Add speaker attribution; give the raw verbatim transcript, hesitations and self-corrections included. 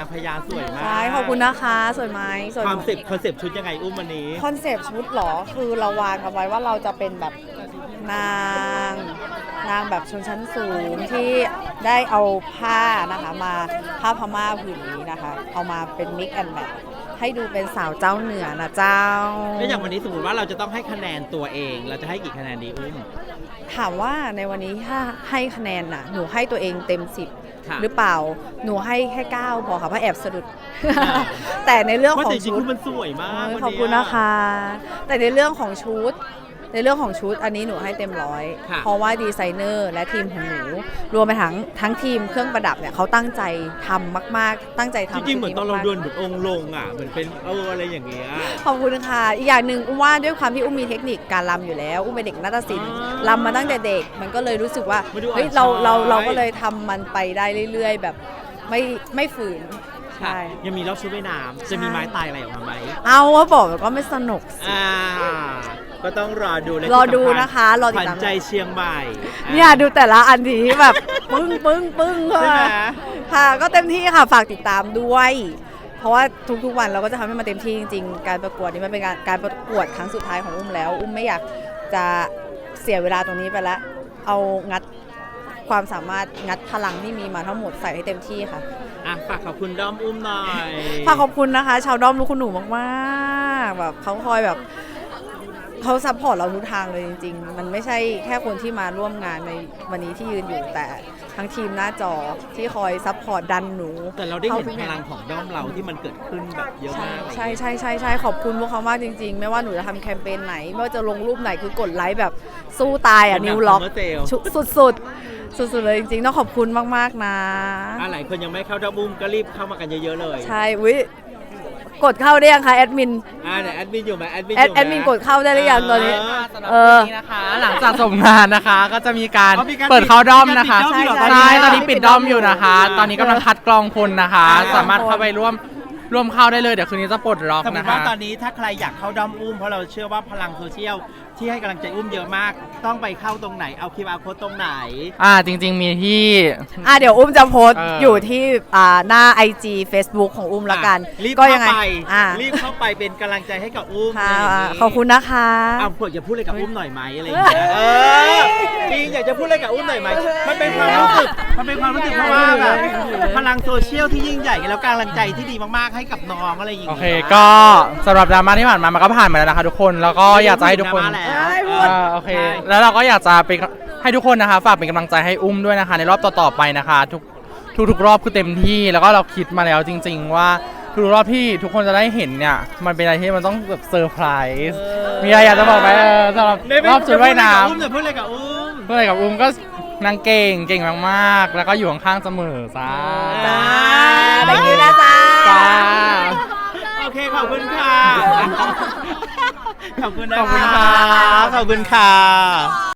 Speaker 1: างพญาสวยมาก
Speaker 2: ใช่ขอบคุณนะคะสวยไหมสวย
Speaker 1: คอนเซปต์คอนเซปต์ชุดยังไงอุ้มวันนี้
Speaker 2: คอนเซปต์ชุดเหรอคือเราวางกันไว้ว่าเราจะเป็นแบบนางนางแบบชนชั้นสูงที่ได้เอาผ้านะคะมาผ้าพม่าผืนนี้นะคะเอามาเป็นมิกแอนด์แมทให้ดูเป็นสาวเจ้าเหนือนะเจ้า
Speaker 1: แล้วอย่างวันนี้สมมติว่าเราจะต้องให้คะแนนตัวเองเราจะให้กี่คะแนนดีอุ้ม
Speaker 2: ถามว่าในวันนี้ถ้าให้คะแนนน่ะหนูให้ตัวเองเต็มสิบ
Speaker 1: ค่ะ
Speaker 2: หรือเปล่าหนูให้แค่เก้าพอค่ะเพราะแอบสะดุด แต่ในเรื่อง
Speaker 1: ว่า
Speaker 2: ของ
Speaker 1: จริง
Speaker 2: ชุ
Speaker 1: ๆ
Speaker 2: ด
Speaker 1: คือมันสวยมาก
Speaker 2: โอ้ย
Speaker 1: วันนี้
Speaker 2: ขอบคุณนะคะ แต่ในเรื่องของชุด ในเรื่องของชุดอันนี้หนูให้เต็มร้อย
Speaker 1: ค่ะ
Speaker 2: เพราะว่าดีไซเนอร์และทีมของหนู รวมไปทั้งทั้งทีมเครื่องประดับเนี่ยเขาตั้งใจทำมากๆ ตั้งใจทำ
Speaker 1: จริงๆเหมือนตอนเรา
Speaker 2: ชุ
Speaker 1: เดิ
Speaker 2: นี้
Speaker 1: น
Speaker 2: มาก
Speaker 1: เหมือนองค์ลงอ่ะเหมือนเป็นเอออะไรอย่างเงี้ย
Speaker 2: ๆขอบคุณค่ะ อีกอย่างหนึ่งอุ้มว่าด้วยความที่อุ้มมีเทคนิคการรำอยู่แล้ว อุ้มเป็นเด็กนาฏศิลป์
Speaker 1: อ่าร
Speaker 2: ำมาตั้งแต่เด็ก มันก็เลยรู้สึกว่า
Speaker 1: มาดู
Speaker 2: เฮ้ย
Speaker 1: อ่อน
Speaker 2: เรา
Speaker 1: ช้อย
Speaker 2: เราเราก็เลยทำมันไปได้เรื่อย ๆ แบบไม่ไม่ฝืน
Speaker 1: ค่ะ
Speaker 2: ใช่
Speaker 1: ยังมีรอบชุดว่ายน้ำจะมี
Speaker 2: ใช่
Speaker 1: ไม้ตายอะไรออกมาไหม
Speaker 2: เอาว่าบอกมันก็ไม่สนุกสิ
Speaker 1: อ่าก็ต้องรอดูและ
Speaker 2: รอ
Speaker 1: ที่สำญ
Speaker 2: ดูนะคะรอติด
Speaker 1: ขวัญ
Speaker 2: ตาม
Speaker 1: ใจเชียงใหม่
Speaker 2: เนี่ยดูแต่ละอันนี้แบบ ปึ้งปึ้งปึ้ง
Speaker 1: ใช่ไหม
Speaker 2: ค่ะค่ะ ก็เต็มที่ค่ะฝากติดตามด้วย เพราะว่าทุกๆวันเราก็จะทำให้มันเต็มที่จริงๆ การประกวดนี้มันเป็นการการประกวดครั้งสุดท้ายของอุ้มแล้ว อุ้มไม่อยากจะเสียเวลาตรงนี้ไปแล้ว เอางัดความสามารถงัดพลังที่มีมาทั้งหมดใส่ให้เต็มที่ค่ะ
Speaker 1: อ่ะฝากขอบคุณด้อมอุ้มหน่อย
Speaker 2: ฝากขอบคุณนะคะ ชาวด้อมลูกคุณหนูมากๆแบบเขาคอยแบบเขาซัพพอร์ตเราทุกทางเลยจริงๆ มันไม่ใช่แค่คนที่มาร่วมงานในวันนี้ที่ยืนอยู่แต่ทั้งทีมหน้าจอที่คอยซัพพอร์ตดันหนู
Speaker 1: แต่เราได้เห็น
Speaker 2: ข้ทุก
Speaker 1: พ
Speaker 2: อย่
Speaker 1: ลังของด้อมเราที่มันเกิดขึ้นแบบเยอะ
Speaker 2: ใช่
Speaker 1: มาก
Speaker 2: ใช่ใช่ใช่ใช่ขอบคุณพวกเขามากจริงๆ ไม่ว่าหนูจะทำแคมเปญไหน ไม่ว่าจะลงรูปไหนคือกดไลค์แบบสู้ตายอ่ะนิวล็อก สุดสุดสุดสุดๆเลยจริงๆ ต้องขอบคุณมากๆนะ
Speaker 1: อ่ะหลายคนยังไม่เข้าด้อมอุ้มก็รีบเข้ามากันเยอะๆเลย
Speaker 2: ใช่วิกดเข้าได้ยังคะแอดมิน
Speaker 1: อ่าเนี่ยแอดมินอยู่ไหมแอดมิน
Speaker 2: แอดแอดมินกดเข้าได้หรือยังตอนนี้
Speaker 3: สำหรับ
Speaker 2: เอ
Speaker 3: วั
Speaker 2: อ
Speaker 3: นนี้นะคะ หลังจากจบงานนะคะ ก็จะมีการ
Speaker 1: อ๋อมีการ
Speaker 3: เปิดเข้าด้อมนะคะ
Speaker 1: มีการปิดด้อมอยู่เหรอ
Speaker 3: ใช่
Speaker 2: ต
Speaker 3: ต
Speaker 2: อ
Speaker 3: อน น
Speaker 2: นี้
Speaker 3: นี้ปิดด้อมอยู่นะคะ
Speaker 1: อ่า
Speaker 3: ตอนนี้กำลังคัดกรองคนนะคะ
Speaker 1: อ่า
Speaker 3: สามารถเข้าไปร่วมร่วมเข้าได้เลยเดี๋ยวคืนนี้จะปลดล็อก
Speaker 1: สมม
Speaker 3: นะ
Speaker 1: ติว่า
Speaker 3: คะ
Speaker 1: ตอนนี้ถ้าใครอยากเข้าด้อมอุ้มเพราะเราเชื่อว่าพลังโซเชียลที่ให้กำลังใจอุ้มเยอะมาก ต้องไปเข้าตรงไหนเอาคิวอาร์โค้ดตรงไหน
Speaker 3: อ่าจริง ๆ มีที่
Speaker 2: อ่ะเดี๋ยวอุ้มจะโพสต์
Speaker 3: เออ
Speaker 2: อ
Speaker 3: อ
Speaker 2: ยู่ที่อ่าหน้า ไอ จี Facebook ของอุ้มละกัน
Speaker 1: รีบ
Speaker 2: ก็
Speaker 1: เข้า
Speaker 2: ยังไง
Speaker 1: ไป
Speaker 2: อ่า
Speaker 1: รีบเข้าไปเป็นกำลังใจให้กับอุ้ม
Speaker 2: ค่ะ
Speaker 1: อะไรย่างนี้
Speaker 2: ขอบคุณนะคะ
Speaker 1: อ้าวเผื่อจะพูดอะไรกับอุ้มหน่อยไหมอะไรอย่างเงี้ยเออจริงอยากจะพูดอะไรกับอุ้มหน่อยไหมมันเป็นความรู้สึกมันเป็นความรู้สึกเพราะว่าแบบพลังโซเชียลที่ยิ่งใหญ่แล้วกำลังใจที่ดีมากๆให้กับน้องอะไรอย่าง
Speaker 3: โอ
Speaker 1: เงี้ย
Speaker 3: เคก็สำหรับดราม่าที่ผ่านมามันก็ผ่านมาแล้วนะคะทุกคนแล้วก็อยากจะให้ทุกคน
Speaker 1: ดราม่าแล้ว
Speaker 2: ให้พูด
Speaker 3: อ่าโอเค แล้วเราก็อยากจะเป็นให้ทุกคนนะคะฝากเป็นกำลังใจให้อุ้มด้วยนะคะ ในรอบต่อๆไปนะคะ ทุกทุกๆรอบคือเต็มที่แล้วก็เราคิดมาแล้วจริง ๆ ว่าทุกรอบที่ทุกคนจะได้เห็นเนี่ยมันเป็นอะไรที่มันต้องแบบเซอร์ไพรส์มีอะไรอยากจะบอกไหมเออสำหรับรอบชุดว่ายน้ำ
Speaker 1: จะพูดอะไรกับอุ้ม
Speaker 3: เมื่อไหร่กับอุ้มก็นางเก่งเก่งมากๆ แล้วก็อยู่ข้างๆเสมอจ้า
Speaker 2: จ้า thank you นะจ้า
Speaker 3: จ้า
Speaker 1: โอเคขอบคุณค่ะ ขอบคุณนะ
Speaker 3: ขอบคุณ
Speaker 1: คะ
Speaker 3: ค่ะ
Speaker 1: ขอบคุณค่ะ